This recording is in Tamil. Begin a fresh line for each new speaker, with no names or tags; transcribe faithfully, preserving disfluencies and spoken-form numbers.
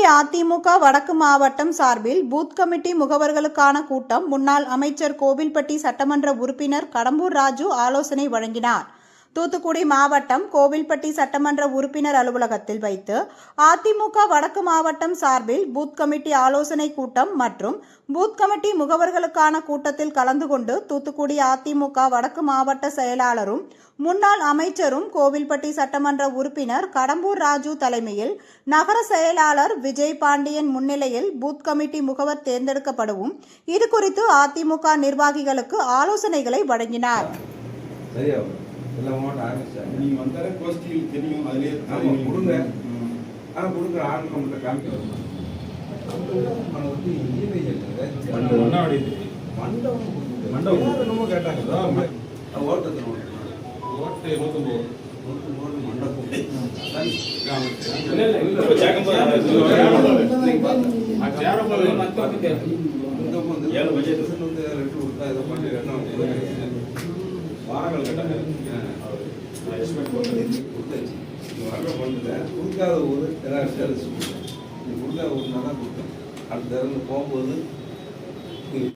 அதிமுக வடக்கு மாவட்டம் சார்பில் பூத் கமிட்டி முகவர்களுக்கான கூட்டம் முன்னாள் அமைச்சர் கோவில்பட்டி சட்டமன்ற உறுப்பினர் கடம்பூர் ராஜு ஆலோசனை வழங்கினார். தூத்துக்குடி மாவட்டம் கோவில்பட்டி சட்டமன்ற உறுப்பினர் அலுவலகத்தில் வைத்து அதிமுக வடக்கு மாவட்டம் சார்பில் பூத் கமிட்டி ஆலோசனை கூட்டம் மற்றும் பூத் கமிட்டி முகவர்களுக்கான கூட்டத்தில் கலந்து கொண்டு தூத்துக்குடி அதிமுக வடக்கு மாவட்ட செயலாளரும் முன்னாள் அமைச்சரும் கோவில்பட்டி சட்டமன்ற உறுப்பினர் கடம்பூர் ராஜு தலைமையில் நகர செயலாளர் விஜய் பாண்டியன் முன்னிலையில் பூத் கமிட்டி முகவர் தேர்ந்தெடுக்கப்படவும் இது குறித்து அதிமுக நிர்வாகிகளுக்கு ஆலோசனைகளை வழங்கினார்.
எல்லாம் மாவட்டம் ஆரம்பிச்சாங்க.
நீங்கள் வந்தாலே கோஷ்டியில் தெரியும், அதிலே
ஆமாம் கொடுங்க. ஆனால் கொடுக்குற ஆள் நம்மகிட்ட காமிக்கிறோம். மண்டபம் வந்து இஎம்ஐ மண்டபம் மண்டபம் என்னமோ கேட்டாங்க. ஓட்டத்தில் ஓட்டு நூற்றம்பது நூற்றம்பது மண்டபம் ஏழு பட்ஜெட் வந்து ரெண்டு கொடுத்தா இதை பண்ணி வாரங்கள் கேட்டாங்க. கொடுத்தாச்சு. நீங்கள் வர்ற பண்ணுங்க. கொடுக்காத ஊர் ஏதாவது கொடுத்தேன். நீங்கள் கொடுக்காத ஊர்னா தான் கொடுத்தேன். அடுத்த தடவை போகும்போது